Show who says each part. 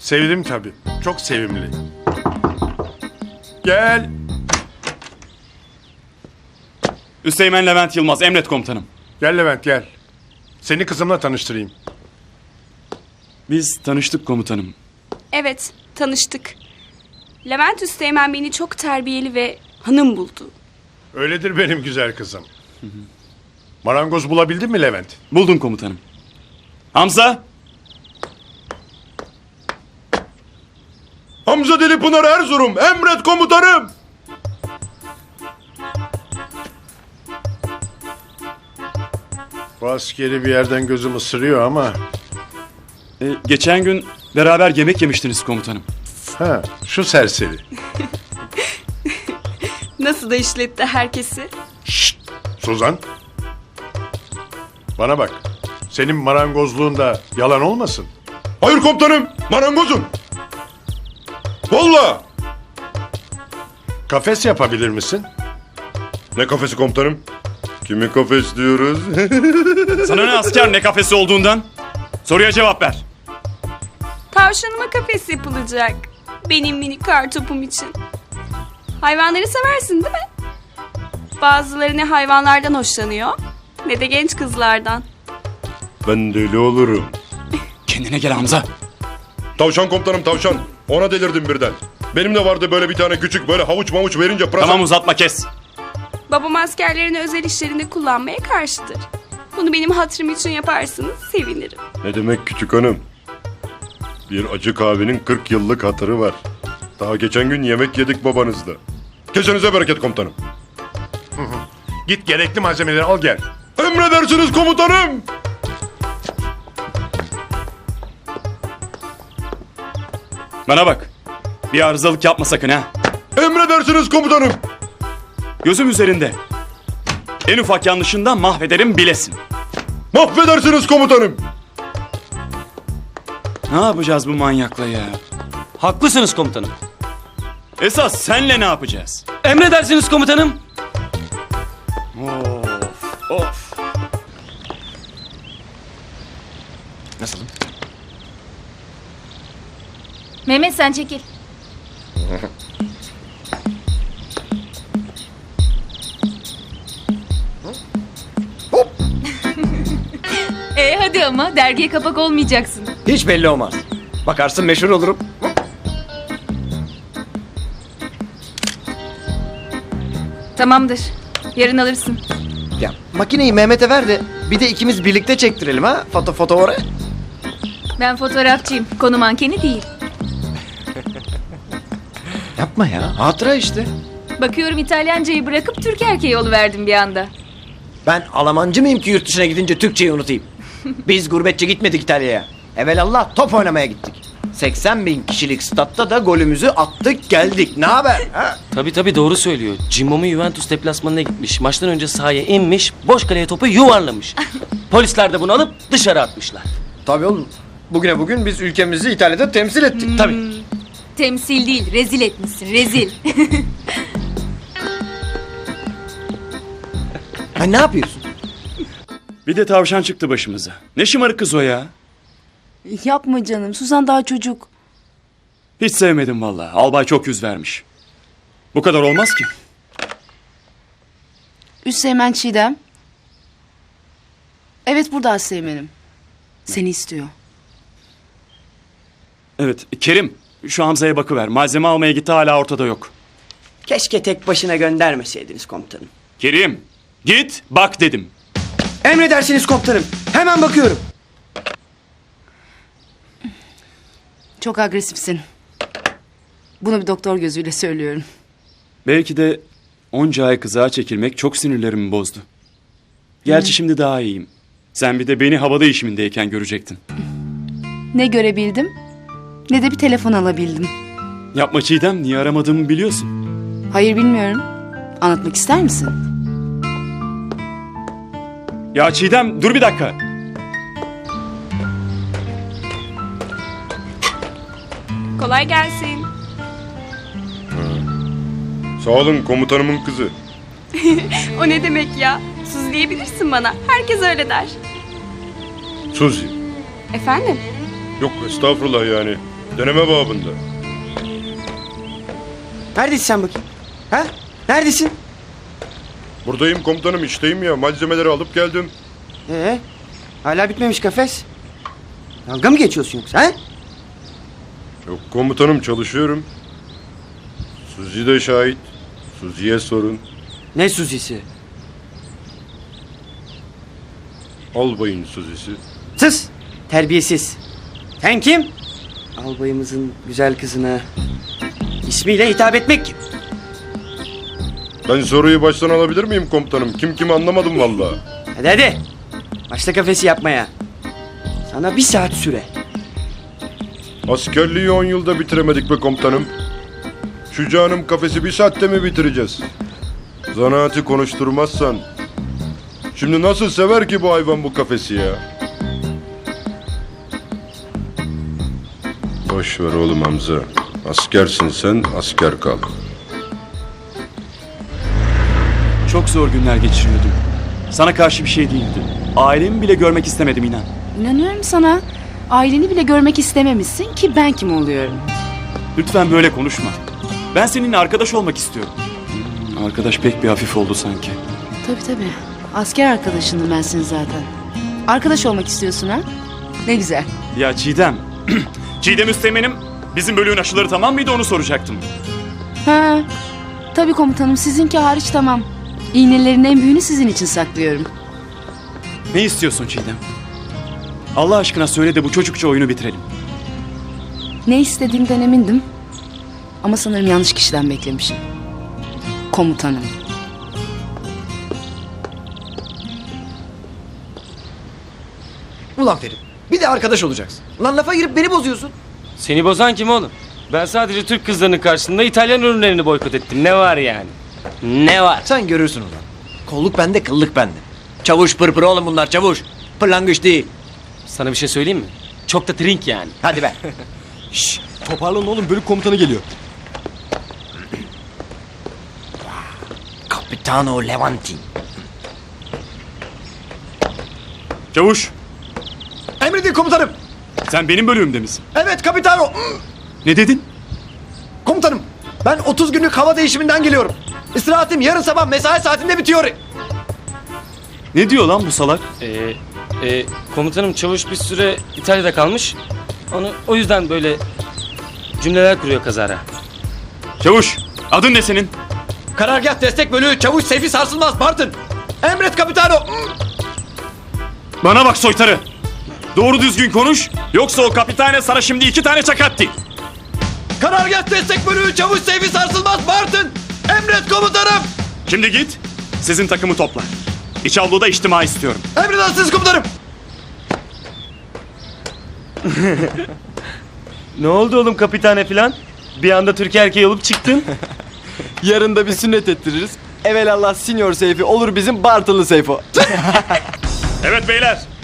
Speaker 1: Sevdim tabii. Çok sevimli. Gel.
Speaker 2: Üsteğmen Levent Yılmaz, emret komutanım.
Speaker 1: Gel Levent gel. Seni kızımla tanıştırayım.
Speaker 2: Biz tanıştık komutanım.
Speaker 3: Evet, tanıştık. Levent Üsteğmen beni çok terbiyeli ve hanım buldu.
Speaker 1: Öyledir benim güzel kızım. Marangoz bulabildin mi Levent?
Speaker 2: Buldum komutanım. Hamza!
Speaker 1: Hamza Delipınar Erzurum, emret komutanım. Bu askeri bir yerden gözüm ısırıyor ama...
Speaker 2: Geçen gün beraber yemek yemiştiniz komutanım.
Speaker 1: Ha, şu serseri.
Speaker 3: Nasıl da işletti herkesi.
Speaker 1: Şşt, Suzan. Bana bak. Senin marangozluğunda yalan olmasın.
Speaker 4: Hayır komutanım, marangozum. Vallahi.
Speaker 1: Kafes yapabilir misin?
Speaker 4: Ne kafesi komutanım? Kimi kafes diyoruz?
Speaker 2: Sana ne asker ne kafesi olduğundan? Soruya cevap ver.
Speaker 3: Tavşanıma kafes yapılacak. Benim minik kartopum için. Hayvanları seversin değil mi? Bazıları ne hayvanlardan hoşlanıyor ne de genç kızlardan.
Speaker 4: Ben deli olurum.
Speaker 2: Kendine gel Hamza.
Speaker 4: Tavşan komutanım tavşan. Ona delirdim birden. Benim de vardı böyle bir tane küçük böyle havuç mavuç verince pırasa...
Speaker 2: Tamam uzatma kes.
Speaker 3: Babam askerlerini özel işlerinde kullanmaya karşıdır. Bunu benim hatırım için yaparsanız sevinirim.
Speaker 4: Ne demek küçük hanım? Bir acı kahvenin 40 yıllık hatırı var. Daha geçen gün yemek yedik babanızla. Kesenize bereket komutanım.
Speaker 1: Git gerekli malzemeleri al gel.
Speaker 4: Emredersiniz komutanım.
Speaker 2: Bana bak. Bir arızalık yapma sakın ha.
Speaker 4: Emredersiniz komutanım.
Speaker 2: Gözüm üzerinde. En ufak yanlışından mahvederim bilesin.
Speaker 4: Mahvedersiniz komutanım.
Speaker 2: Ne yapacağız bu manyakla ya?
Speaker 5: Haklısınız komutanım.
Speaker 2: Esas senle ne yapacağız?
Speaker 5: Emredersiniz komutanım.
Speaker 2: Of.
Speaker 5: Nasılım?
Speaker 6: Mehmet sen çekil. Hadi ama dergiye kapak olmayacaksın.
Speaker 5: Hiç belli olmaz. Bakarsın meşhur olurum.
Speaker 6: Tamamdır. Yarın alırsın.
Speaker 5: Ya makineyi Mehmet'e ver de bir de ikimiz birlikte çektirelim ha. Foto oraya.
Speaker 6: Ben fotoğrafçıyım. Konu mankeni değil.
Speaker 5: Yapma ya. Hatıra işte.
Speaker 6: Bakıyorum İtalyancayı bırakıp Türk erkeği oluverdim bir anda.
Speaker 5: Ben Almancı mıyım ki yurt dışına gidince Türkçeyi unutayım? Biz gurbetçi gitmedik İtalya'ya. Evelallah top oynamaya gittik. 80 bin kişilik statta da golümüzü attık geldik. Ne haber? Ha?
Speaker 7: Tabii doğru söylüyor. Cimbom'un Juventus deplasmanına gitmiş. Maçtan önce sahaya inmiş, boş kaleye topu yuvarlamış. Polisler de bunu alıp dışarı atmışlar.
Speaker 5: Tabii oğlum. Bugüne bugün biz ülkemizi İtalya'da temsil ettik. Tabii.
Speaker 6: Temsil değil, rezil etmişsin, rezil.
Speaker 5: Ha, ne yapıyorsun?
Speaker 2: Bir de tavşan çıktı başımıza. Ne şımarık kız o ya.
Speaker 8: Yapma canım. Suzan daha çocuk.
Speaker 2: Hiç sevmedim vallahi. Albay çok yüz vermiş. Bu kadar olmaz ki.
Speaker 8: Üsteğmen Çiğdem. Evet burada Üsteğmen'im. Seni istiyor.
Speaker 2: Evet Kerim şu Hamza'ya bakıver. Malzeme almaya gitti hala ortada yok.
Speaker 5: Keşke tek başına göndermeseydiniz komutanım.
Speaker 2: Kerim git bak dedim.
Speaker 5: Emredersiniz komutanım. Hemen bakıyorum.
Speaker 8: Çok agresifsin. Bunu bir doktor gözüyle söylüyorum.
Speaker 2: Belki de onca ay kızağa çekilmek çok sinirlerimi bozdu. Gerçi şimdi daha iyiyim. Sen bir de beni havada işimindeyken görecektin.
Speaker 8: Ne görebildim ne de bir telefon alabildim.
Speaker 2: Yapma Çiğdem, niye aramadığımı biliyorsun.
Speaker 8: Hayır bilmiyorum. Anlatmak ister misin?
Speaker 2: Ya Çiğdem dur bir dakika.
Speaker 3: Kolay gelsin.
Speaker 4: Sağ olun komutanımın kızı.
Speaker 3: O ne demek ya? Suzi diyebilirsin bana. Herkes öyle der.
Speaker 4: Suzi.
Speaker 3: Efendim?
Speaker 4: Yok estağfurullah yani. Deneme babında.
Speaker 5: Neredesin sen bakayım? Ha? Neredesin?
Speaker 4: Buradayım komutanım, işteyim ya. Malzemeleri alıp geldim.
Speaker 5: Hala bitmemiş kafes. Dalga mı geçiyorsun yoksa ha?
Speaker 4: Yok komutanım, çalışıyorum. Suzi de şahit. Suzi'ye sorun.
Speaker 5: Ne Suzi'si?
Speaker 4: Albayın Suzi'si.
Speaker 5: Sus! Terbiyesiz. Sen kim? Albayımızın güzel kızına ismiyle hitap etmek kim?
Speaker 4: Ben soruyu baştan alabilir miyim komutanım? Kim kimi anlamadım vallahi.
Speaker 5: Hadi hadi. Başla kafesi yapmaya. Sana 1 saat süre.
Speaker 4: Askerliği 10 yılda bitiremedik be komutanım. Şu canım kafesi 1 saatte mi bitireceğiz? Zanaatı konuşturmazsan. Şimdi nasıl sever ki bu hayvan bu kafesi ya? Boş ver oğlum Hamza. Askersin sen, asker kal.
Speaker 2: Çok zor günler geçiriyordum. Sana karşı bir şey değildi. Ailemi bile görmek istemedim inan.
Speaker 8: İnanıyorum sana. Aileni bile görmek istememişsin ki ben kim oluyorum?
Speaker 2: Lütfen böyle konuşma. Ben seninle arkadaş olmak istiyorum. Arkadaş pek bir hafif oldu sanki.
Speaker 8: Tabii. Asker arkadaşındım ben senin zaten. Arkadaş olmak istiyorsun ha? Ne güzel.
Speaker 2: Ya Çiğdem. Çiğdem Üsteğmen'im, bizim bölüğün aşıları tamam mıydı onu soracaktım.
Speaker 8: Ha. Tabii komutanım, sizinki hariç tamam. İğnelerin en büyüğünü sizin için saklıyorum.
Speaker 2: Ne istiyorsun Çiğdem? Allah aşkına söyle de bu çocukça oyunu bitirelim.
Speaker 8: Ne istediğimden emindim. Ama sanırım yanlış kişiden beklemişim. Komutanım.
Speaker 5: Ulan Ferit, bir de arkadaş olacaksın. Ulan lafa girip beni bozuyorsun.
Speaker 7: Seni bozan kim oğlum? Ben sadece Türk kızlarının karşısında İtalyan ürünlerini boykot ettim. Ne var yani? Ne var?
Speaker 5: Sen görürsün ulan. Kolluk bende, kıllık bende. Çavuş pırpır oğlum bunlar, çavuş. Pırlangıç değil.
Speaker 7: Sana bir şey söyleyeyim mi? Çok da trink yani.
Speaker 5: Hadi be.
Speaker 9: Toparlanın oğlum, bölük komutanı geliyor.
Speaker 5: Capitano Levanti.
Speaker 2: Çavuş,
Speaker 5: Emredin komutanım.
Speaker 2: sen benim bölüğümde misin?
Speaker 5: Evet Capitano.
Speaker 2: Ne dedin?
Speaker 5: Komutanım, ben 30 günlük hava değişiminden geliyorum. İstirahatim yarın sabah mesai saatinde bitiyor.
Speaker 2: Ne diyor lan bu salak?
Speaker 7: Komutanım çavuş bir süre İtalya'da kalmış. O yüzden böyle cümleler kuruyor kazara.
Speaker 2: Çavuş, adın ne senin?
Speaker 5: Karargah destek bölüğü çavuş Seyfi Sarsılmaz Bartın. Emret Capitano.
Speaker 2: Bana bak soytarı. Doğru düzgün konuş, yoksa o kapitane sana şimdi 2 tane çakatti.
Speaker 5: Karargah destek bölüğü çavuş Seyfi Sarsılmaz Bartın. Emret komutanım.
Speaker 2: Şimdi git, sizin takımı topla. İç avluda içtima istiyorum.
Speaker 5: Emredersiniz komutanım.
Speaker 7: Ne oldu oğlum kapitane filan? Bir anda Türk erkeği olup çıktın.
Speaker 9: Yarın da bir sünnet ettiririz. Evelallah Senior Seyfi olur bizim Bartılı Seyfo.
Speaker 2: Evet beyler,